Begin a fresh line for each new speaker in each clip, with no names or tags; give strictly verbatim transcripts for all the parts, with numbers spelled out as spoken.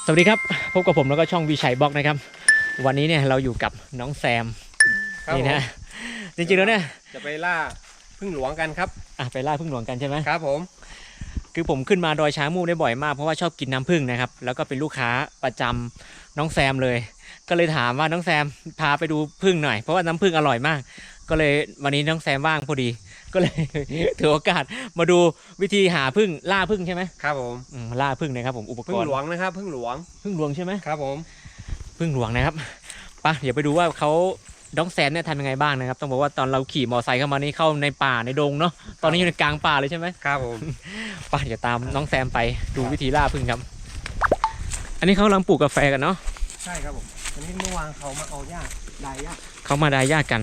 สวัสดีครับพบกับผมแล้วก็ช่องวิชัยบล็อกนะครับวันนี้เนี่ยเราอยู่กับน้องแซมนี่นะจริงๆแล้วเนี่ย
จะไปล่าพึ่งหลวงกันครับ
อ่ะไปล่าพึ่งหลวงกันใช่ไหม
ครับผม
คือผมขึ้นมาดอยช้างมูกได้บ่อยมากเพราะว่าชอบกินน้ำผึ้งนะครับแล้วก็เป็นลูกค้าประจำน้องแซมเลยก็เลยถามว่าน้องแซมพาไปดูผึ้งหน่อยเพราะว่าน้ำผึ้งอร่อยมากก็เลยวันนี้น้องแซมว่างพอดีก็เลย ถือโอกาสมาดูวิธีหาผึ้งล่าผึ้งใช่ไหม
ครับผม
ล่าผึ้งนะครับผมอุปกรณ์
พึ่งหลวงนะครับพึ่งหลวง
ผึ้งหลวงใช่ไหม
ครับผม
ผึ้งหลวงนะครับปะเดี๋ยวไปดูว่าเขาน้องแซมเนี่ยทำยังไงบ้างนะครับต้องบอกว่าตอนเราขี่มอเตอร์ไซค์เข้ามานี่เข้าในป่าในดงเนาะตอนนี้อยู่ในกลางป่าเลยใช่ไหม
ครับผม
ปะเดี๋ยวตามน้องแซมไปดูวิธีล่าผึ้งครับอันนี้เขากำลังปลูกกาแฟกันเนาะ
ใช่ครับผมอันนี้เมื่อวานเขามาเอาหญ้าดายหญ้า
เขามาดายหญ้ากัน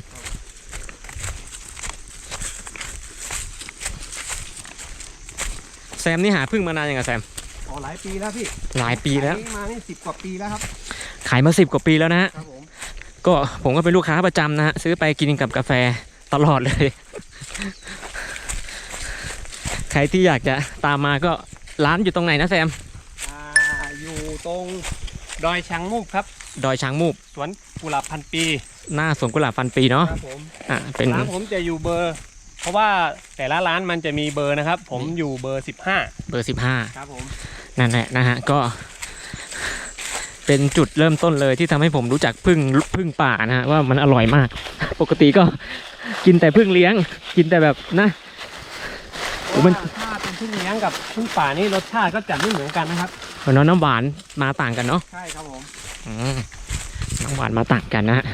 แซมนี่หาผึ้งมานานยังไงแซม
อ๋อหลายปีแล้วพี่
หลายปีแล้ว
มานี่สิบกว่าปีแล้วครับ
ขายมาสิบกว่าปีแล้วนะฮะ
ครับผม
ก็ผมก็เป็นลูกค้าประจำนะฮะซื้อไปกินกับกาแฟตลอดเลยใครที่อยากจะตามมาก็ร้านอยู่ตรงไหนนะแซม
อ่าอยู่ตรงดอยช้างมูกครับ
ดอยช้างมูก
สวนกุหลาบพันปี
หน้าสวนกุหลาบพันปีเนาะ
ครับผม
อ่าเป็น
ร้านผมจะอยู่เบอร์เพราะว่าแต่ละร้านมันจะมีเบอร์นะครับผมอยู่เบอร์สิบห้า
เบอร์สิบห้า
ครับผม
นั่นแหละนะฮะก็เป็นจุดเริ่มต้นเลยที่ทำให้ผมรู้จักผึ้งผึ้งป่านะฮะว่ามันอร่อยมากปกติก็กินแต่ผึ้งเลี้ยงกินแต่แบบนะ
มันถ้าเป็นผึ้งเลี้ยงกับผึ้งป่านี่รสชาติก็จะไม่เหมือนกันนะครับ
เพราะน้ำหวานมาต่างกันเนาะ
ใช่ครับผม
น้ำหวานมาต่างกันนะฮะ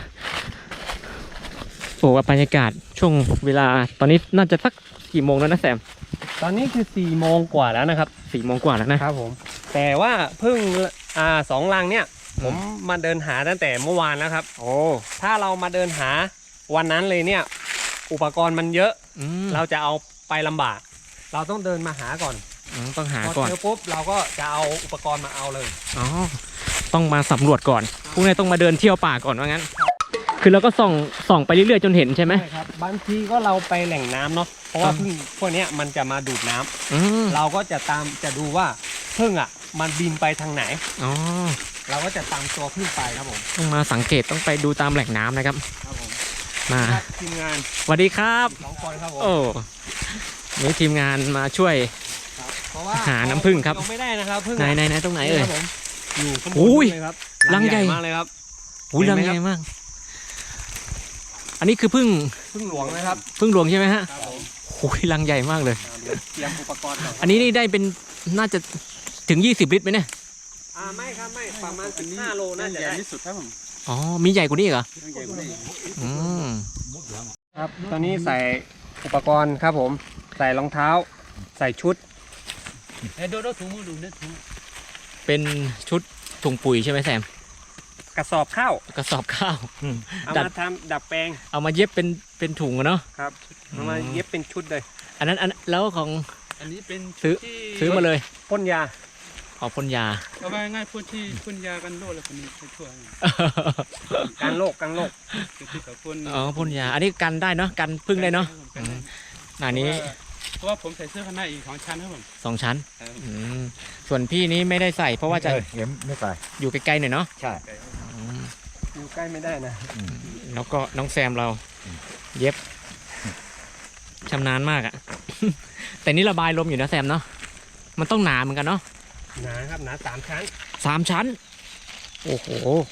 โอ้ว่าบรรยากาศช่วงเวลาตอนนี้น่าจะสักกี่โมงแล้วนะแซม
ตอนนี้คือสี่โมงกว่าแล้วนะครับ
สี่โมงกว่าแล้วนะครับ
ผมแต่ว่าผึ้งอ่าสองลังเนี่ยผมมาเดินหาตั้งแต่เมื่อวานแล้วครับ
โอ้
ถ้าเรามาเดินหาวันนั้นเลยเนี่ยอุปกรณ์มันเยอะเราจะเอาไปลำบากเราต้องเดินมาหาก่อน
ต้องหาก่อน
พอเจอปุ๊บเราก็จะเอาอุปกรณ์มาเอาเลย
อ๋อต้องมาสำรวจก่อนพวกนี้ต้องมาเดินเที่ยวป่าก่อนว่างั้นคือเราก็ส่องส่องไปเรื่อยๆจนเห็นใช่ไหม
ใช่ครับบางทีก็เราไปแหล่งน้ำเนาะเพราะว่าผึ้งพวกนี้มันจะมาดูดน้ำเราก็จะตามจะดูว่าผึ้งอ่ะมันบินไปทางไหน
อ๋อ
เราก็จะตามตัวผึ้งไปครับผม
ต้องมาสังเกตต้องไปดูตามแหล่งน้ำนะครับ
ครับผม
มา
ทีมงาน
สวัสดีครับ
สองคนครับผม
โอ้นี่ทีมงานมาช่วยหาน้ำผึ้งครับ
ไม่ได้นะครับผึ้ง
ไหนไหนไหนตรงไหนเอ่ย
อยู่ข้างบนเลยครับ
รังใหญ่
มากเลยครับ
อุ้ยรังใหญ่มากอันนี้คือผึ้ง
ผึ้งหลวงนะครับ
ผึ้งหลวงใช่ไหมฮะโอ้ยรังใหญ่มากเลย
เตรียมอุปกรณ์
อันนี้นี่ได้เป็นน่าจะถึงยี่สิบลิตรไหมเนี่ย
อ่าไม่ครับไม่ประมาณสิบห้าโลน่าจะได้ที่สุดครับผม
อ๋อมีใหญ่กว่านี้เหรอ
ใหญ่กว่านี้
อืม
ครับตอนนี้ใส่อุปกรณ์ครับผมใส่รองเท้าใส่ชุด
ดูดูถุงมือดูเนี่ยถุงเป็นชุดถุงปุ๋ยใช่ไหมแซม
กระสอบข้าว
กระสอบข้าว
เอามาทำดับแปลง
เอามาเย็บเป็นเป็นถุงเนาะ
ครับเอามาเย็บเป็นชุดเลย
อันนั้นอันแล้วของ
อันนี้เป็น
ซื้อซื้อมาเลย
พ่นยา
อ๋อพ่นยา
เอาไปง่ายพ่นที่พ่นยากันโรคแล้วคนนี้ช่วย
กันโรคกันโรค
อ๋อพ่นยาอันนี้กันได้เนาะกันพึ่งได้เนาะอันนี้
เพราะว่าผมใส่เสื้อข้างในอีกสองชั้นครับผม
สองชั้นส่วนพี่นี้ไม่ได้ใส่เพราะว่าจะ
ไม่ใส่
อยู่ไกลๆหน่อยเนาะ
ใช่อยู่ใกล้ไม่ได้นะ
แล้วก็น้องแซมเราเย็บชำนาญมากอะแต่นี่ระบายลมอยู่นะแซมเนาะมันต้องหนาเหมือนกันเนาะ
หนาครับหนาสามชั้น
สามชั้นโอ้โห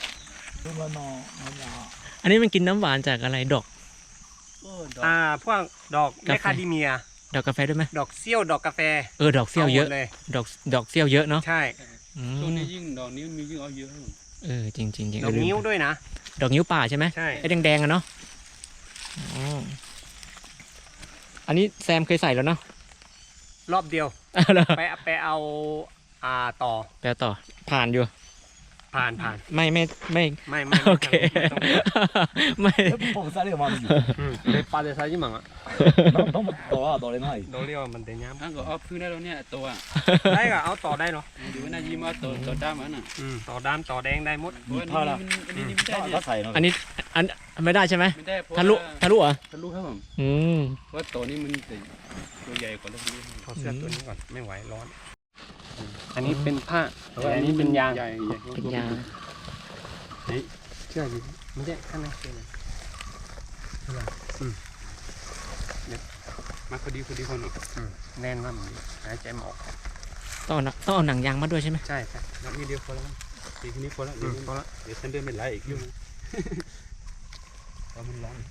อันนี้มันกินน้ำหวานจากอะไรดอก
อ่าพวกดอกแมคคาเดเมีย
ดอกกาแฟด้วยไหม
ดอกเซี่ยวดอกกาแฟ
เออดอกเซี่ยวเยอะดอกดอกเซี่ยวเยอะเนาะ
ใช่
ช่วงนี้ยิ่งดอกนิ้วมียิ่งเอาเยอะ
เออจริงจริงจริง
ดอกนิ้วด้วยนะ
ดอกนิ้วป่าใช่ไหม
ใช่
ไอ้แดงๆอะเนาะอันนี้แซมเคยใส่แล้วเนาะ
รอบเดียวไปไปเอาอ่าต่อ
ไปต่อผ่านอยู่
ผ่านผ่าน
ไม่ไม่ไม่
ไม่ไม่
โอเคไม่
ผมใส่เรื่องมันอยู่
เป็นปลาเดือดใส่ยี่หมังอ่ะ
ต้องต่อต่อเลยหน่อย
เราเรียกว่ามันเตยย้ำ
ถ้าก็เอาพื้นได้แล้วเนี่ยตัว
ได้ก็เอาต่อได้เนาะ
ดูว่าน่ายิ้มว่าต่อต่อด้ามมันอ่ะ
ต่อด้ามต่อแดงได้หมด
เท่าไหร่อันนี้ไม่ได้เนี่ย
อันนี้อันไม่ได้ใช่ไหม
ไม่ได้
ทะลุทะลุอ่ะ
ทะลุครับผม
อืม
เพราะตัวนี้มันตัวใหญ่กว่าตัวนี้
ขอเสื้อตัวนี้ก่อนไม่ไหวร้อนอันนี้เป็นผ้าแต่อันนี้เป็นยาง
ใหญ่ใหญ่
เป็นยาง
เชื่อดิไม่ใช่ข้างในเชื่อ
มาพอดีพอดีคนออก
แน่นมากมันหายใจไม่ออก
ต้องเอาหนังต้องเอาหนังยางมาด้วยใช่ไหม
ใช่ใช่
นับนี้เดียวพอแล้วทีนี้พอแล้วเดี๋ยว
พอละ
เดี๋ยวฉันเดินไม่ไหลอีกยุ่งเพราะมันร้อน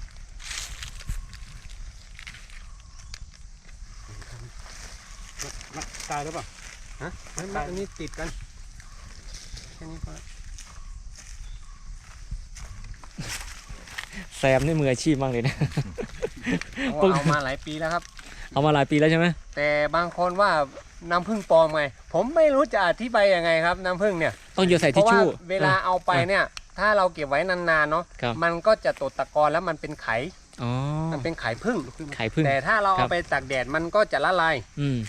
มาตายแล้วป่ะ
ฮะไม่ไม่อันนี้ติดกันแค่นี้พอละ
แซมนี่มืออาชีพมากเลยนะ
เอาเอามาหลายปีแล้วครับ
เอามาหลายปีแล้วใช่ไหม
แต่บางคนว่าน้ำผึ้งปลอมไงผมไม่รู้จะอธิบายยังไงครับน้ำผึ้งเนี่ย
ต้องโยนใส่
เพ
ทิช
ราะว่า
ชู่
เวลาเอาไปเนี่ย ถ้าเราเก็บไว้นานๆเนาะ
ครับ
มันก็จะตกตะกอนแล้วมันเป็นไข
อ๋อ
มันเป็นไขผึ้ง
ไข่พึ่ง
แต่ถ้าเรา
ครั
เอา
บ
ไปตากแดดมันก็จะละลาย
อืม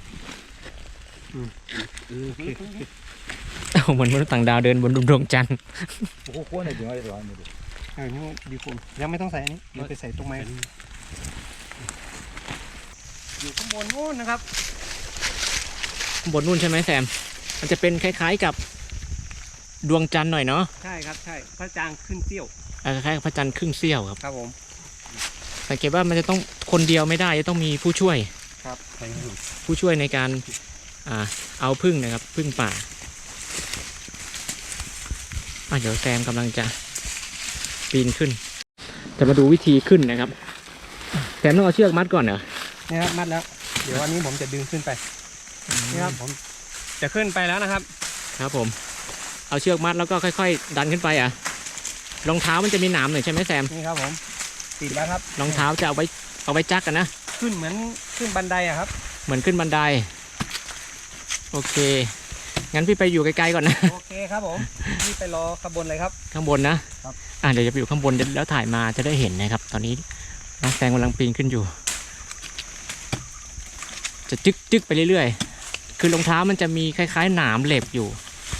เออโอเค
เอาเหมือนมนุษย์ต่างดาวเดินบนดวงจันทร์
こここうねって言われてはあるんだけど
เออนี่ดีคุณยังไม่ต้องใส่อันนี้เดี๋ยวไปใส่ตรงไม้อยู่ข้างบนนู้นนะครับ
ข้างบนนู่นใช่ไหมแซม มันจะเป็นคล้ายๆกับดวงจันทร์หน่อยเนาะ
ใช่ครับใช่พระจางขึ้นเสี้ยว
อ่าคล้ายๆกับพระจันทร์ครึ่งเสี้ยวครับ
ครับผม
สังเกตว่ามันจะต้องคนเดียวไม่ได้จะต้องมีผู้ช่วย
ครับ
ใส่ให้
ผู้ช่วยในการอ่าเอาพึ่งนะครับพึ่งป่าอ่ะเดี๋ยวแซมกำลังจะปีนขึ้น จะมาดูวิธีขึ้นนะครับแซมต้องเอาเชือกมัดก่อนเหรอ
นี่ครับมัดแล้ว เดี๋ยววันนี้ผมจะดึงขึ้นไปนี่ครับผมจะขึ้นไปแล้วนะครับ
ครับผม เอาเชือกมัดแล้วก็ค่อยๆ ดันขึ้นไปอ่ะรองเท้ามันจะมีหนามหน่อยใช่ไหมแซม
นี่ครับผมติดแล้วครับ
รองเท้าจะเอาไว้เอาไว้จักกันนะ
ขึ้นเหมือนขึ้นบันไดอะครับ
เหมือนขึ้นบันไดโอเคงั้นพี่ไปอยู่ไกลๆก่อนนะ
โอเคครับผมนี่ไปรอขบวนเลยครับ
ข้างบนนะครับ อ่ะเดี๋ยวจะไปอยู่ข้างบนแล้วถ่ายมาจะได้เห็นนะครับ ตอนนี้น้องแซงกำลังปีนขึ้นอยู่ จะจึกจึกไปเรื่อยๆคือรองเท้ามันจะมีคล้ายๆหนามเหล็บอยู่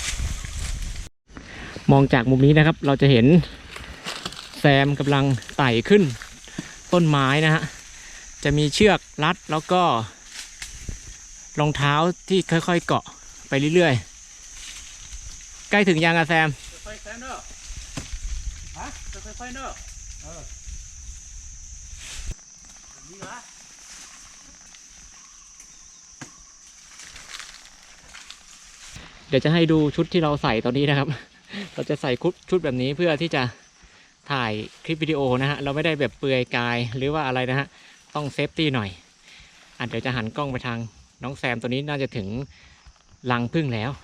มองจากมุมนี้นะครับ เราจะเห็นแซมกำลังไต่ขึ้นต้นไม้นะฮะจะมีเชือกรัดแล้วก็รองเท้าที่ค่อยๆเกาะไปเรื่อยๆใกล้ถึงยังอะแซม
ไฟแซนเนอร์ฮะไฟไฟเนอร์เออนี่เหรอ
เดี๋ยวจะให้ดูชุดที่เราใส่ตอนนี้นะครับ เราจะใส่ชุดแบบนี้เพื่อที่จะถ่ายคลิปวิดีโอนะฮะ เราไม่ได้แบบเปลือยกายหรือว่าอะไรนะฮะ ต้องเซฟตี้หน่อยอ่ะเดี๋ยวจะหันกล้องไปทางน้องแซมตัวนี้น่าจะถึงรังผึ้งแล้ว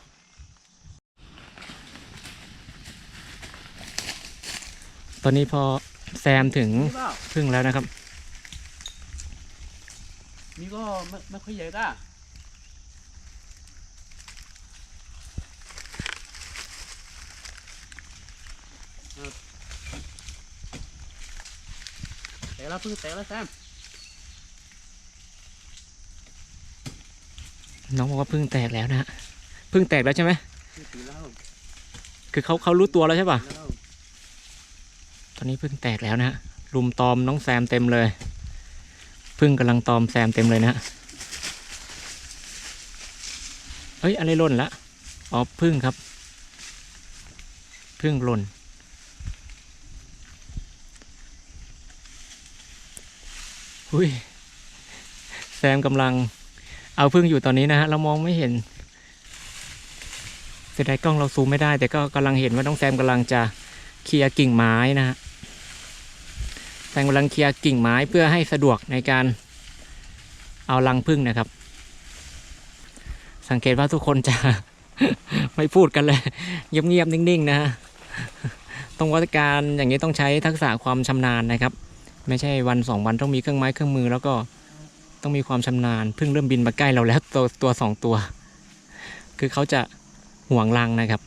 ตอนนี้พอแซมถึง
นี่เปล่า
ผึ้งแล้วนะครับ
นี่ก็ไม่ไม่ค่อยใหญ่ก้าแต่ละพึ่งแต่ละแซม
น้องบอกว่าผึ้งแตกแล้วนะฮะผึ้งแตกแล้วใช่ไหม
ถือแล้ว
คือเขาเขารู้ตัวแล้วใช่ป่ะ
แล้ว
ตอนนี้ผึ้งแตกแล้วนะฮะรุมตอมน้องแซมเต็มเลยผึ้งกำลังตอมแซมเต็มเลยนะฮะเฮ้ยอะไรหล่นละอ๋อผึ้งครับผึ้งหล่นหุ้ยแซมกำลังเอาผึ้งอยู่ตอนนี้นะฮะเรามองไม่เห็นเสียดายกล้องเราซูมไม่ได้แต่ก็กำลังเห็นว่าน้องแซมกำลังจะเคลียร์กิ่งไม้นะฮะแซมกำลังเคลียร์กิ่งไม้เพื่อให้สะดวกในการเอารังผึ้งนะครับสังเกตว่าทุกคนจะ ไม่พูดกันเลยเงียบๆนิ่งๆนะฮะตรงวัตการอย่างนี้ต้องใช้ทักษะความชำนาญนะครับไม่ใช่วันสองวันต้องมีเครื่องไม้เครื่องมือแล้วก็ต้องมีความชำนาญผึ้งเริ่มบินมาใกล้เราแล้วตัวตัวสองตัวคือเขาจะห่วงรังนะครับ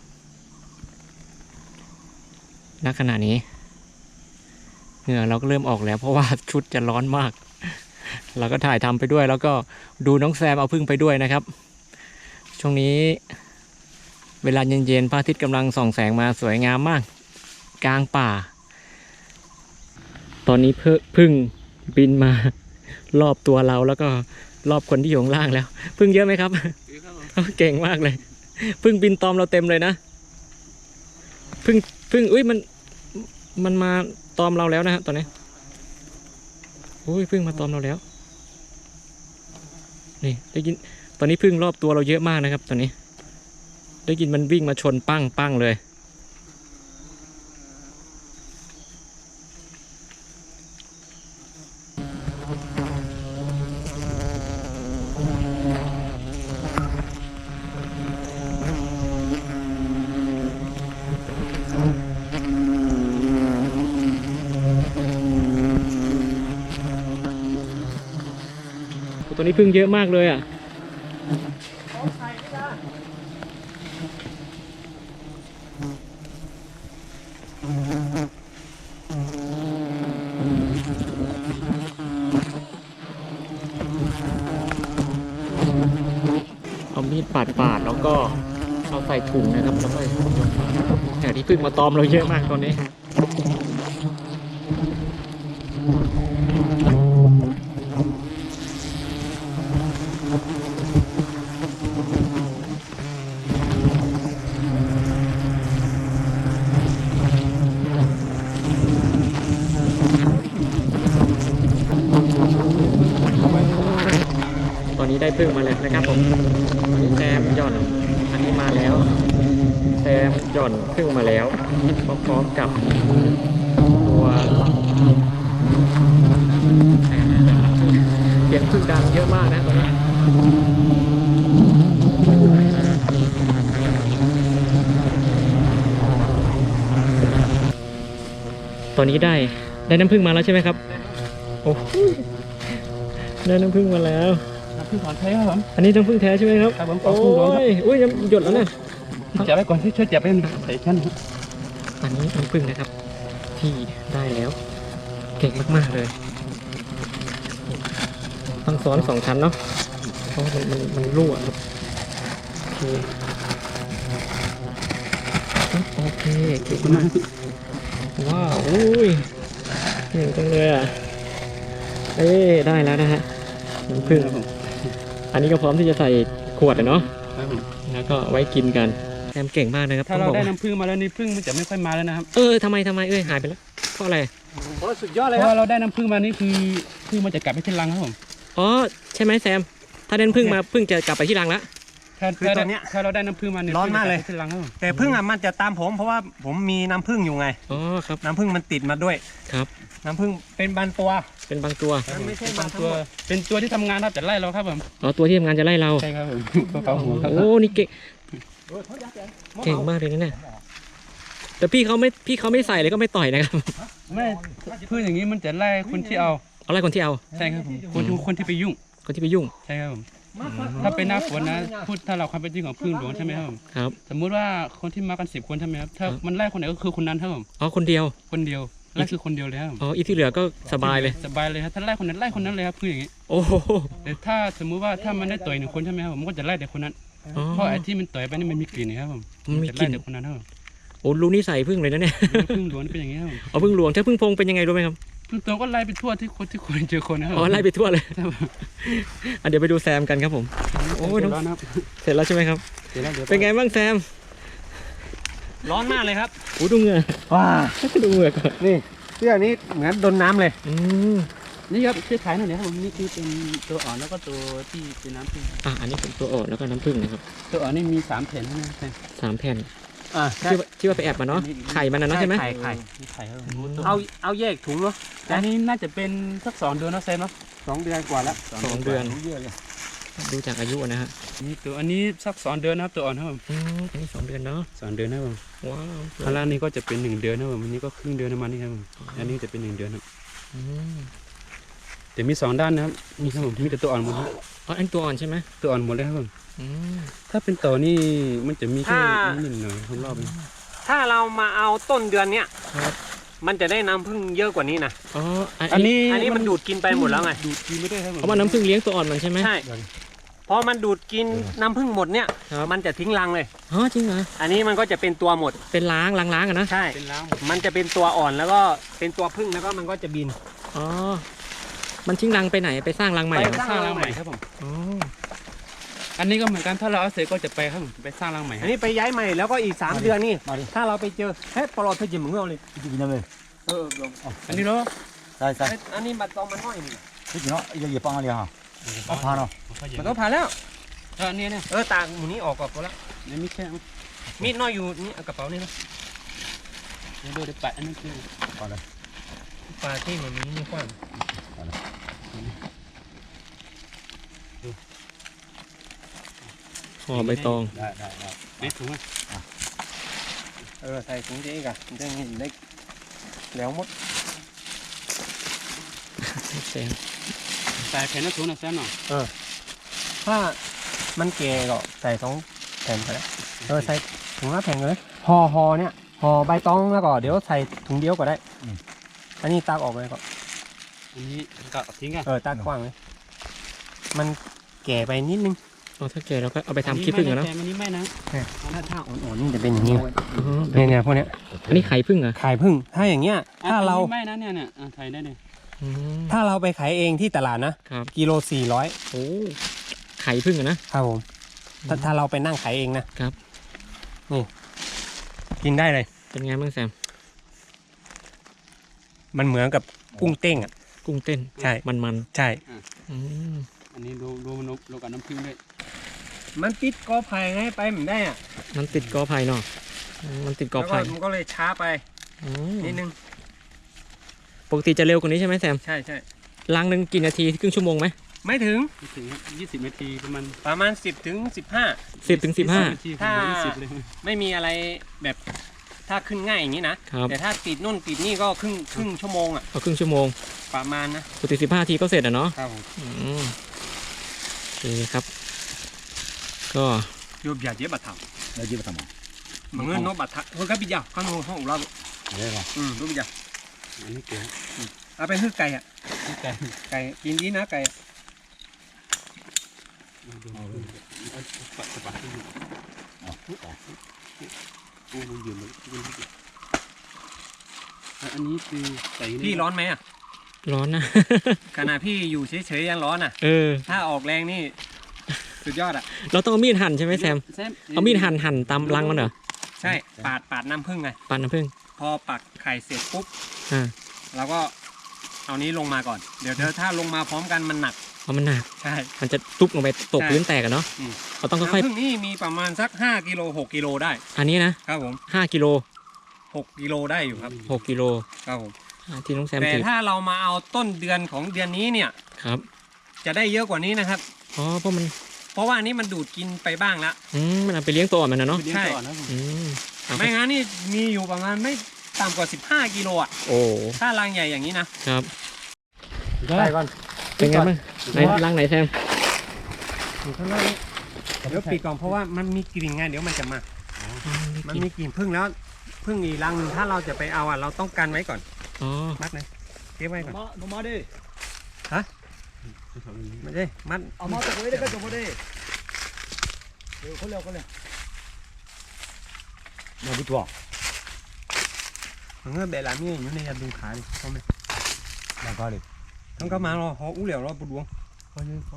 ณขณะนี้เหงื่อเราก็เริ่มออกแล้วเพราะว่าชุดจะร้อนมากเราก็ถ่ายทำไปด้วยแล้วก็ดูน้องแซมเอาผึ้งไปด้วยนะครับช่วงนี้เวลาเย็นๆพระอาทิตย์กำลังส่องแสงมาสวยงามมากกลางป่าตอนนี้ผึ้งบินมารอบตัวเราแล้วก็รอบคนที่อยู่ข้างล่างแล้วผึ้งเยอะไหมครับ
ถือครับผม
เก่งมากเลยพึ่งบินตอมเราเต็มเลยนะพึ่งพึ่งอุ้ยมันมันมาตอมเราแล้วนะฮะตอนนี้อุ้ยพึ่งมาตอมเราแล้วนี่ได้ยินตอนนี้พึ่งรอบตัวเราเยอะมากนะครับตอนนี้ได้ยินมันวิ่งมาชนปั้งปั้งเลยตัวนี้พึ่งเยอะมากเลยอ่ะเอามีดปาดปาดแล้วก็เอาใส่ถุงนะครับแล้วก็แต่ที่พึ่งมาตอมเราเยอะมากตอนนี้ตอนนี้ได้พึ่งมาแล้วนะครับผมแซมหย่อนอันนี้มาแล้วแซมหย่อนพึ่งมาแล้วพร้อมๆกับตัวเสียงพึ่งดังเยอะมากนะตอนนี้ตอนนี้ได้ได้น้ำพึ่งมาแล้วใช่ไหมครับโอ้ได้น้ำพึ่งมาแล้ว
น้ำผึ้งถอนแท้ครับผม
อันนี้น้ำผึ้งแท้ใช่ไหมครับ
ครับผม
โอ้ยอุ้ยหยดแล้วเนี่ย
จับไว้ก่อนที่ช่วยจับไว้ใส่ชั้น
อันนี้น้ำผึ้งนะครับ ที่ได้แล้ว เก่งมากๆเลยต้องซ้อนสองชั้นเนาะเพราะมันมันมันรั่วครับโอเคโอเคเก่งมากว้าวอุ้ยเก่งจังเลยอ่ะเอ้ได้แล้วนะฮะน้ำผึ้งอันนี้ก็พร้อมที่จะใส่ขวดเนาะแล้วก็ไว้กินกันแซมเก่งมากนะครับ
ถ้าเราได้น้ำผึ้งมาแล้วนี่ผึ้งมันจะไม่ค่อยมาแล้วนะครับ
เออทำไมทำไมเอ้ยหายไปแล้วเพราะอะไร
โอ้สุดยอดเลย
เพ
ค
ราะ
รับ
ว่าเราได้น้ำผึ้งมานี่คือผึ้งมันจะกลับไปที่รังครับผม
อ๋อใช่ไหมแซมถ้าเด่นพึ่งมาพึ่งจะกลับไปที่รังแล้ว
ถ้า
คือตอนเนี้ย
ถ้าเราได้น้ำผึ้งมาเนี่ย
ร้อนมากเลย
ผึ้งจะบไปที่รังครับผม
แต่พึ่งอ่ะมันจะตามผมเพราะว่าผมมีน้ำพึ่งอยู่ไง
อ๋อครับ
น้ำพึ่งมันติดมาด้วย
ครับ
น้ำพึ่งเป็นบางตัว
เป็นบางตัว
มันไม่ใช่
เป็น
บาง
ตัว
ตัว
เป็นตัวที่ทำงานครับแต่ไล่เราครับผม
อ๋อตัวที่ทำงานจะไล่เรา
ใช่ครับผมตัวเกาหัวครับ
โอ้นี่เก่งเก่งมากเลยนะเนี่ยแต่พี่เขาไม่พี่เขาไม่ใส่เลยก็ไม่ต่อยนะครับ
ไม่พืชอย่างนี้มันจะไล่คนที่เอา
เอาไล่คนที่เอา
ใช่ครับผมคนที่คนที่ไปยุ่ง
คนที่ไปยุ่ง
ใช่ครับผมถ้าเป็นหน้าฝนนะพูดถ้าเราความเป็นจริงของพึ่งหลวงใช่ไหมครับผม
ครับ
สมมุติว่าคนที่มากันสิบคนใช่ไหมครับถ้า
ครับ
มันไล่คนไหนก็คือคนนั้นครับผม
อ๋อคนเดียว
คนเดียวไล่คือคนเดียวเลยครับผม
อ๋ออีกที่เหลือก็สบายเลย
สบายเลยครับถ้าไล่คนนั้นไล่คนนั้นเลยครับพึ่งอย่างนี้
โอ้โห
แต่ถ้าสมมุติว่าถ้ามันได้ต่อยหนึ่งคนใช่ไหมครับผมมันก็จะไล่แต่คนนั้น
อ๋อ
เพราะไอ้ที่มันต่อยไปนี่มันมีกลิ่นนะครับผม
มันมี
จะ
กลิ่
ไล่
น
แต่คนนั้นครับผม
โอ้รู้นิสัยพึ่งเลยนะเนี่ย
พึ่งหลวงเป็นอย่างนี้ครับผม
อ๋อพึ่งหลวงถ้าพึ่งพงเป็นยังไงรู้ไหมครับ
พึ่งตัวก็ไล่ไปทั่วที่คนที่คนเจอคนนะครับ
อ๋อไล่ไปทั่วเลยอ่ะเดี๋ยวไปดูแซมกันครับผม โอ้ยน้อง
ร้อนครับ
เสร็จแล้วใช่ไหมครับ
เดี๋ยวนะเดี๋ยว
เป็นไงบ้างแซม
ร้อนมากเลยครับ
โอ้ดูเหงื่อ
ว้า
ดูเหงื่อก่อน
นี่เสื้อนี้เหมือนโดนน้ำเลย
อืม
นี่ครับช่วยขายหน่อยนะครับผมนี่คือเป็นตัวอ่อนแล้วก็ตัวที่เป็นน้ำผึ้ง
อ่ะอันนี้เป็นตัวอ่อนแล้วก็น้ำผึ้งนะครับ
ตัวอ่อนนี่มีสามแผ่นนะครับ
สามแผ่น
อ่า
ที่ว่าที่ว่าไปแอบมาเนาะไข่มันนะเนาะใช่ไหม
ไข่ไข่
มีไข่ครับผม
เอาเอาแยกถุงเนาะ
อันนี้น่าจะเป็นสักสองเดือนนะเซนเนาะ
สองเดือนกว่าแล้ว
สองเดือนดูจากอายุนะฮะ
นี่ตัวอันนี้สักสองเดือนนะครับตัวอ่อนครับผม
อืมอันนี้สองเดือนเนาะ
สองเดือนนะครับผม
ว้าว
ข้างล่างนี่ก็จะเป็นหนึ่งเดือนนะครับผมอันนี้ก็ครึ่งเดือนประมาณนี้ครับผมอันนี้จะเป็นหนึ่งเดือนครับ
อืม
แต่มีสองด้านนะครับมีครับผมมีแต่ตัวอ่อนหมดครับ
อ๋ออันตัวอ่อนใช่ไหม
ตัวอ่อนหมดเลยครับผม
อืม
ถ้าเป็นต่อนี่มันจะมีแค่นิดหน่อยรอบๆเอง
ถ้าเรามาเอาต้นเดือนเนี้ย
ครับ
มันจะได้น้ำพึ่งเยอะกว่านี้นะ
อ๋ออัน
อัน
นี้
นี้
อันนี้มันดูดกินไปหมดแล้วไง
ดูดกินไม่ได้ครับผม
เพราะว่าน้ำผึ้งเลี้ยงตัวอ่อนมันใช่ไหม
ใช่พอมันดูดกินน้ำพึ่งหมดเนี่ย
ครับ
มันจะทิ้งรังเลย
อ๋อจริงเหรอ
อันนี้มันก็จะเป็นตัวหมด
เป็นล้างล้างล้างอะนะ
ใช่
เป็นล้าง
มันจะเป็นตัวอ่อนแล้วก็เป็นตัวพึ่งแล้วก็มันก็จะบิน
อ๋อมันทิ้งรังไปไหนไปสร้างรังใหม่เหรอ
ไป
สร้างรังใหม่ครับผม
อ๋อ
อัอันนี้ก็เหมือนกันถ้าเราเอาเสร็จก็จะไปข้างไปสร้างรังใหม่
อันนี้ไปย้ายใหม่แล้วก็อีกสามเดือนนี่
มาดิ
ถ้าเราไปเจอเฮ้ยปลอดเธอจิ๋มมึงเอาเลย
กินยังไง
เออลง
อันนี้เนาะ
ใช่ใช่
อันนี้บัตรตองมันน้อยนี่
กินเนาะยังเหยียบปังอะไรฮะเอาพาเนาะ
มันต้องผ่านแล้ว
อันนี้เนี่ย
เออตากหมูนี้ออกก่อนก็แล้ว
นี่มีแค่
มีดน้อยอยู่นี่เอากระเป๋านี่นะ
เดี๋ยวเดี๋ยวไปอันนี้คือ
พอเลย
ปลาที่มันมีนี่กว้าง
ห่อใบตอง
ได้ได้ได้
ไม่ถุงอ่ะ
เออใส่ถุงเจ๊อีกอะมันจะเห็นได้แล้วหมด
แซม
ใส่แผ่นละถุงนะแซมเนาะ
ถ้ามันแก่ก็ใส่สองแผ่นไปแล้วเออใส่ถุงละแผ่นเลยห่อห่อเนี่ยห่อใบตองแล้วก็เดี๋ยวใส่ถุงเดียวก็ได้อันนี้ตากออกเลยก็
อันนี้ก็ทิ้งอ่ะ
เออตากกว้างเลยมันแก่ไปนิดนึง
เอาถ้าแก่เราก็เอาไปทำขี้ผึ้งอะเนาะ
อันนี้ไม่นะ
ถ้าถ้าอ่อนๆนี่จะเป็นอย่างนี้
อือฮึ
เนี่ยเนี่ยพวกเนี้ย
อันนี้ไข่ผึ้งเหรอ
ขายพึ่งถ้าอย่างเงี้ยถ้าเรา
ไม่นะเนี่ยเนี่ยไทยได้เนี่ย
อืม
ถ้าเราไปขายเองที่ตลาดนะครับ กิโลสี่ร้อย
โอ้ไข่ผึ้งอะนะครับ
ผมถ้าถ้าเราไปนั่งขายเองนะครับ นี่กินได้เลย
เป็นไงบ้างแซม
มันเหมือนกับกุ้งเต้งอ่ะ
กุ้งเต้น
ใช่
มันมัน
ใช่
ๆอืม
อันนี้ดูดูนกดูกับน้ำผึ้งด้วย
มันติดกอไผ่ให้ไปเหมือนได้อ่ะ
มันติดกอไผ่เนาะอืมมันติดกอ
แล้วก็
ไผ่
มันก็เลยช้าไป
อืม
นิดนึง
ปกติจะเร็วกว่านี้ใช่ไหมแซม
ใช่ใช่
ล้างหนึ่งกี่นาทีครึ่งชั่วโมงไหม
ไม่ถึง
ไม่ถึงยี่สิบนาทีประมาณ
ประมาณสิบถึงสิบห้า
สิบถึงสิบห้า
นาที
ถ้า
ยี่สิบเลย
ไม่มีอะไรแบบถ้าขึ้นง่ายอย่างนี้นะครับ แต่ถ้าติดนู่นติดนี่ก็ครึ่งครึ่งชั่วโมงอ่ะ
เอาครึ่งชั่วโมง
ประมาณนะ
ปกติสิบห้าทีก็เสร็จอะเนาะ
ครับผม
อืมโอเคครับ ก็
โยบอย่าเย็บบัตรท
แล้วจีบทำไม
ำมันเงินนกบัตรทำเฮ้ยกับปิยาข้างนอกห้องเรา
เรียกว่า
อืมรู้ปิยา
อันนี้เก๋
เอาไปฮื้อไก่อ่ะ
ไก่
ไก่กินดีนะไก่
เอาเลยเอาปัดปัดที่อยู่
อ๋อ
โอ้มันยืนเลยอันนี้คือใส่
พี่ร้อนไหมอ่ะ
ร้อนนะ
ขณะพี่อยู่เฉยๆยังร้อนอ่ะ
เออ
ถ้าออกแรงนี่สุดยอดอ่ะ
เราต้องเอามีดหั่นใช่ไหมแซม เอามีดหั่นหั่นตามรังมันเหรอ
ใช่ปาดปาดน้ำผึ้งไง
ปั่นน้ำผึ้ง
พอปักไข่เสร็จปุ๊บ
อ่า
เราก็เอานี้ลงมาก่อนเดี๋ยวเดี๋ยวถ้าลงมาพร้อมกันมันหนัก
เอามันหนัก
ใช่
มันจะตุบลงไปตก
ใช่
พื้นแตกอะเนาะ
อืม
เราต้องค่อย
น้ำผึ้งนี่มีประมาณสักห้ากิโลหกกิโลได้
ๆ อันนี้นะครับ
ผม
ห้ากิโล
หกกิโลได้อยู่ครับ
หกกิโล
ครับผม
อ่าที่น้องแซม
แต่
ถือ
ถ้าเรามาเอาต้นเดือนของเดือนนี้เนี่ย
ครับ
จะได้เยอะกว่านี้นะครับ
อ๋อเพราะมัน
เพราะว่าอันนี้มันดูดกินไปบ้างแล้ว
อืมมันเอาไปเลี้ยงตัวอ่อนมันนะเนาะ
เลี้ยงก่อนนะ
อืมเอา
ไม่งั้นนี่มีอยู่ประมาณไม่ต่ำกว่าสิบห้ากิโลอ่ะ
โอ้
ถ้ารังใหญ่อย่างนี้นะครับ ใส่ก่อน
เป็นไงบ้างไหนรังไหนแซม
อยู่ข้างล่างนี้เดี๋ยวปิดก่อนเพราะว่ามันมีกลิ่นไงเดี๋ยวมันจะมา มันมีกลิ่นพึ่งแล้วพึ่งอีกรังหนึ่งถ้าเราจะไปเอาอ่ะเราต้องกันไว้ก่อน
อ๋อ
มัดเลยเก็บไว้ก่อน
มาหนูมาดิ
ไม่ได้มัด
เอามาตะกุยได้ก็จบมาดิเดี๋ยวเขาเร็วเขาเร็วมาดูตัว
มันก็แบบนี้อยู่ในยาดูขาดิเขาไหม
มาก็ดิ
ทั้งก็มารอหออู้เหลียวรอปุดดวงเขาเยอะเขา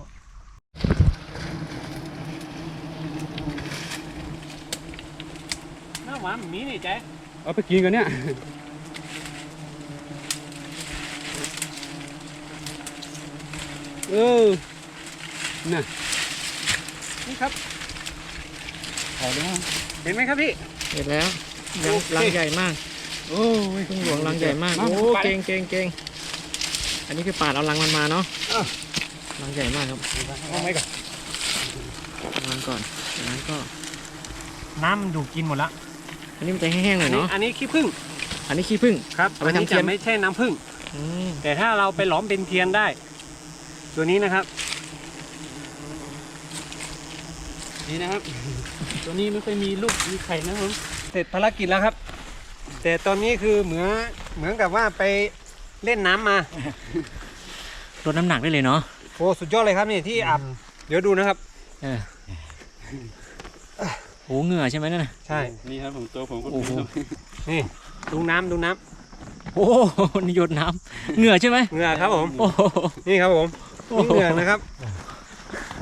หน้าหวานมีนี่แจ๊
เอาไปกินกันเนี่ยเออน่ะ
นี่ครับ
ขอดู
เห็นไหมครับพี่
เสร็จแล้วรังรังใหญ่มาก
โอ้ย
พึ่งหลวงรังใหญ่มาก โอ้เก่งเก่งเก่งอันนี้คือปาดเอารังมันมาเนาะรังใหญ่มากครับ
เอาไว้ก่อน
รังก่อนจากนั้นก็
น้ำมันดูดกินหมดละ
อันนี้มันจะแห้งๆหน่
อั
อน ย
นี้
เนาะ
อันนี้ขี้ผึ้ง
อันนี้ขี้ผึ้ง
ครับ
เอาไป
อันนี้
ทำเทีย
จะ
น
ไม่ใช่น้ำผึ้ง
อืม
แต่ถ้าเราไปหลอมเป็นเทียนได้ ตัวนี้นะครับ
นี่นะครับ ตัวนี้ไม่ค่อยมีลูกมีไข่นะครับผม
เสร็จภารกิจแล้วครับ แต่ตอนนี้คือเหมือนเหมือนกับว่าไปเล่นน้ำมา
ลดน้ำหนักได้เลยเนาะ
โอ้สุดยอดเลยครับนี่ที่อาบเดี๋ยวดูนะครับ
เออโอ้เหงื่อใช่ไหมนั่นน่ะ
ใช่
นี่ครับผมตัวผมก็
โอ้โห
นี่ดูน้ำดูน้
โอ้โหนี่หยดน้ำเหงื่อใช่ไหม
ำเหงื่อครับผม
โอ้โห
นี่ครับผมนี่เหงื่อนะครับ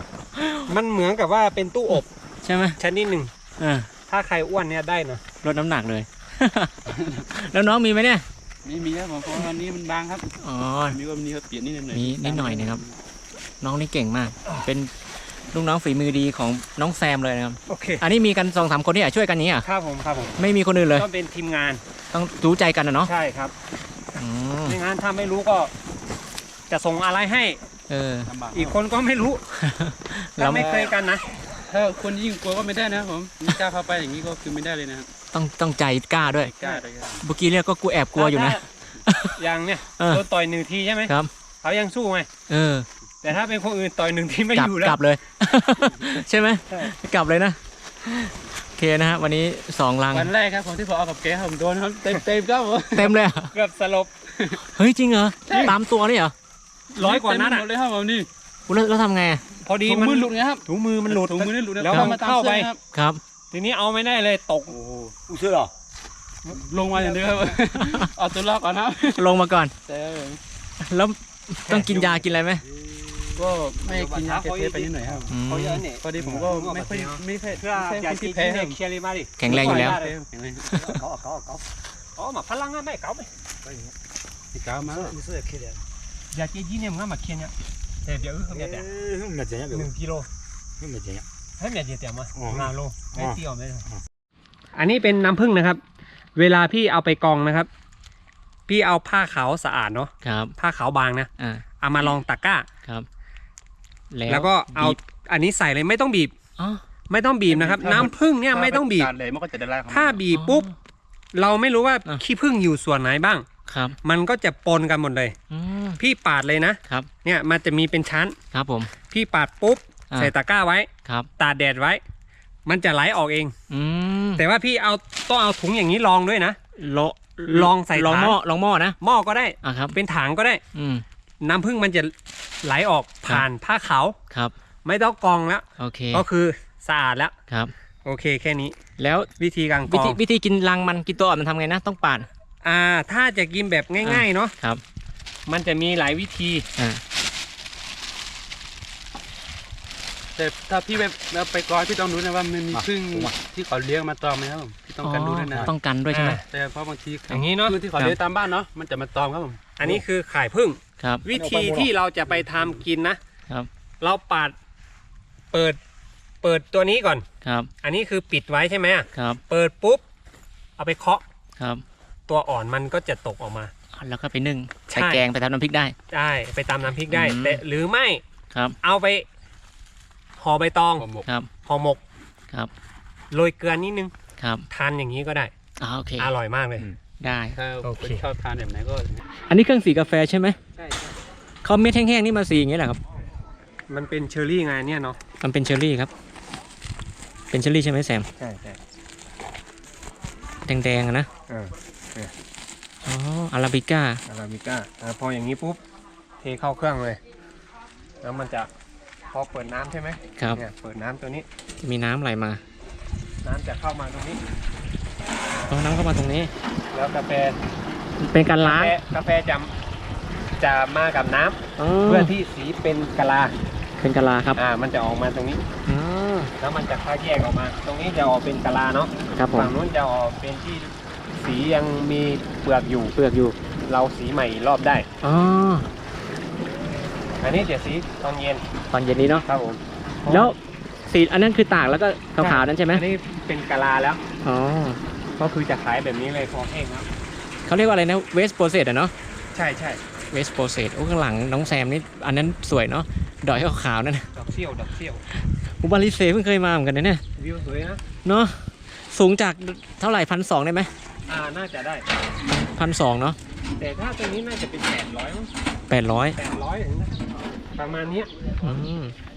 มันเหมือนกับว่าเป็นตู้อบ
ใช่ไหม
ชนิดหนึ่ง
อ่า
ถ้าใครอ้วนเนี่ยได้นะ
ลดน้ำหนักเลย แล้วน้องมีไหมเนี่ย
ไม่มีครับผมเพราะวันนี้มันบางครับ
อ๋อ
มีก็มีครับเปลี่ยนนิดหน่อย
มีนิดหน่อยนะครับ น้องนี่เก่งมาก เป็นลูกน้องฝีมือดีของน้องแซมเลยนะครับ
โอเค
อันนี้มีกันสองสามคนที่อยากช่วยกันนี้อ่ะ
ครับผมครับผม
ไม่มีคนอื่นเลย
ต้องเป็นทีมงาน
ต้องรู้ใจกันนะเนาะ
ใช่ครับ
อืม
ไม่งั้นถ้าไม่รู้ก็ จะส่งอะไรให้
เออ
ลำบาก
อีกคนก็ไม่รู้
แล้
ถ้าว ไม่เคยกันนะ
ถ้าคนยิ่งกลัวก็ไม่ได้นะครับผมไม่กล้าเข้าไปอย่างนี้ก็คือไม่ได้เลยนะครับ
ต้องต้องใจกล้าด้วย
กล้าเลยครับ
เมื่อกี้เนี่ยก็กูแอบกลัวอยู่นะ
อย่างเนี่ย
เออ
โดนต่อยหนึ่งทีใช่ไหม
ครับ
เขายังสู้ไง
เออ
แต่ถ้าเป็นคนอื่นต่อยหนึ่งทีไม่
กลั
อยู่แล้ว
กลับเลย ใช่ไหม
ใช่
กลับเลยนะ โอเคนะฮะวันนี้สองลัง
วันแรกครับผมที่ผมเอากับแกผมโดนครับเต็มเต็มๆครับผม
เต็มเลยอะ
เกือบสลบ
เฮ้ยจริงเหรอ ตามตัวนี่เหรอ
ร้อยกว่านัด
เต็ม
อ่ะ
หมดเลยครับผมนี่
อุ๊ยแล้วแล้วทำไงอะ
พอดี
ถุง
มัน
มือหลุดไงครับ
ถุงมือมันหลุด
ถุงมือนี่หลุดนะ
แล้ว
ครับ
มันเข้าไป
ตมสื้อครับ
ครับ
ทีนี้เอาไม่ได้เลยตก
โอ้โห
อู้ซื้อเหรอ
ลงมาอย่างเดียวครับ เอาตัวรอดก่อนครับ
ลงมาก่อน
แต่
แล้วต้องกินยากินอะไรไหม
ก็ไม่กินยาแก้แพ้ไปนิดหน่อยครับ
อืม
เขาเยอะเนี่ย
พอดีผมก็ไม่ค่อยไม่ค่อย
เพื่อ
ไม่
อ
ใช่
ยา
คน
กิน
ที่แพ้
ที่
ค
เนี่
รั
ย
บ
เคลียร์เลยมาดิ
แข็งแรงอยู่แล้ว
แข็งแรง
เขาเขาเขา
อ๋อมาพลังงานไม่เก่าไหม
ที่ก้าวมาแล้ว
อู้ซื้อแค่เดียว
อยากกินยี่เนี่ยมึงมาเคลียร์เนี่ยแต่เดี๋ยวเขาเนี่ยแต่
เฮ้ยมันจะยัง
หนึ่งกิโล
เฮ้ยมันจะยัง
ให้เมียเดียวแต่มา
อ๋อ
งาโลไม่
อ๋อ
เตี้ยวไม่อันนี้เป็นน้ำผึ้งนะครับ เวลาพี่เอาไปกรองนะครับ พี่เอาผ้าขาวสะอาดเนาะ
ครับ
ผ้าขาวบางนะ
อ่า
เอามาลองตะกร้า
ครับ
แล้วก็เอา
บีบ
อันนี้ใส่เลยไม่ต้องบีบ
อ๋อ
ไม่ต้องบีบนะครับ น้ำผึ้งเนี่ยไม่ต้องบีบ
การเลยมันก็จะได้ไล่ของมัน
ถ้าบีบปุ๊บ เราไม่รู้ว่า
อ่ะ
ขี้ผึ้งอยู่ส่วนไหนบ้าง
ครับ
มันก็จะปนกันหมดเลย
อืม
พี่ปาดเลยนะ
ครับ
เนี่ยมันจะมีเป็นชั้น
ครับผม
พี่ปาดปุ๊บ
อ่ะ
ใส่ตะกร้าไว้
ครับ
ตากแดดไว้ มันจะไหลออกเอง
อืม
แต่ว่าพี่เอาต้องเอาถุงอย่างนี้รองด้วยนะ
ลอ
ลองใส่
ลอง
ถัง
หม้อลองหม้อนะ
หม้อก็ได้
อ่ะครับ
เป็นถังก็ได้
อืม
น้ำผึ้งมันจะไหลออกผ่านผ้าขาว
ครับ
ไม่ต้องกรองแล้ว
โอเค
ก็คือสะอาดแล้ว
ครับ
โอเคแค่นี้
แล้ว
วิธีการก
วิ
รอ
ธี
ง
วิธีกินรังมันกินตัวอ่อนมันทำไงนะ ต้องปาด
อ่าถ้าจะกินแบบง่ายๆเนาะ
ครับ
มันจะมีหลายวิธี
อ่า
แต่ถ้าพี่ไปเอาไปกรอยพี่ต้องรู้นะว่ามันมีพึ่งที่เขาเลี้ยงมาตอมไหมครับผมพี่ต้องกันดูด้วยนะ
ต้องกันด้วยใช่ไหม
แต่เพราะบางที
อย่างนี้เนาะ
พึ่งที่เขาเลี้ยงตามบ้านเนาะมันจะมาตอมครับผม
อันนี้คือข่ายผึ้ง
ครับ
วิธีที่เราจะไปทำกินนะ
ครับ
เราปาดเปิดเปิดตัวนี้ก่อน
ครับ
อันนี้คือปิดไว้ใช่ไหมอะ
ครับ
เปิดปุ๊บเอาไปเคาะ
ครับ
ตัวอ่อนมันก็จะตกออกมา
อ่ะแล้วก็ไปนึ่ง
ใช่
ใส่แกงไปทำน้ำพริกได้
ได้ไปตามน้ำพริกได้
อืม
แต่หรือไม่
ครับ
เอาไปห่อใบตอง
ผมบอก
ครับ
ห่อหมก
ครับ
โรยเกลือนิดนึง
ครับ
ทานอย่างนี้ก็ได้
อ่าโอเค
อร่อยมากเลย
ได้
ถ้า
โอเค
ชอบทานแบบไหนก็
อันนี้เครื่องสีกาแฟใช่ไหม
ใช่
เขาเม็ดแห้งๆนี่มาสีอย่างเงี้ยแหละครับ
มันเป็นเชอร์รี่ไงเนี่ยเนาะ
มันเป็นเชอร์รี่ครับ เป็นเชอร์รี่ใช่ไหมแซม
ใช่ใช่
แดงๆอะนะ
เออ
อ๋อ อาราบิก้า
อาราบิก้าอ่าพออย่างนี้ปุ๊บเทเข้าเครื่องเลย แล้วมันจะพอเปิดน้ำใช่ไหม
ครับ
เนี่ยเปิดน้ำตัวนี้
มีน้ำไหลมา
น้ำจะเข้ามาตรงนี้
เอาน้ำเข้ามาตรงนี้
แล้วกาแฟ
เป็นการล้าง
กาแฟกาแฟจะจะมากับน้ำ
อ๋อ
เพื่อที่สีเป็นกะลา
เป็นกะลาครับ
อ่ามันจะออกมาตรงนี้
อ๋อ
แล้วมันจะค่อยแยกออกมา ตรงนี้จะออกเป็นกะลาเนาะ
ครับผม
ฝั่งนู้นจะออกเป็นที่สียังมีเปลือกอยู่
เปลือกอยู่
เราสีใหม่อีกรอบได้
อ๋อ
อันนี้เดี๋ยวสีตอนเย็น
ตอนเย็นนี้เนาะ
ครับผม
แล้วสีอันนั้นคือตากแล้วก็ขาวๆนั่นใช่ไหม
อันนี้เป็นกะลาแล้ว
อ๋อ
ก็คือจะขายแบบนี้เลยพอแห้งครับ
เขาเรียกว่าอะไรนะ waste process อะเนาะ
ใช่ใช่
waste process โอ้ข้างหลังน้องแซมนี่อันนั้นสวยเนาะ ดอยขาวๆนั่นนะ
ดอกเซี่ยวดอกเซี่ยว
อุบาลิเซเพิ่งเคยมาเหมือนกันนะเนี่ย
วิวสวยนะ
เนาะ สูงจากเท่าไหร่พันสองได้ไหม
อ่าน่าจะได้
พันสองเนาะ
แต่ถ้าตัวนี้น่าจะเป็นแปดร้อยมั้ง
แปดร้อย
แปดร้อยอย่างนี้นะประมาณเนี้ย
อืม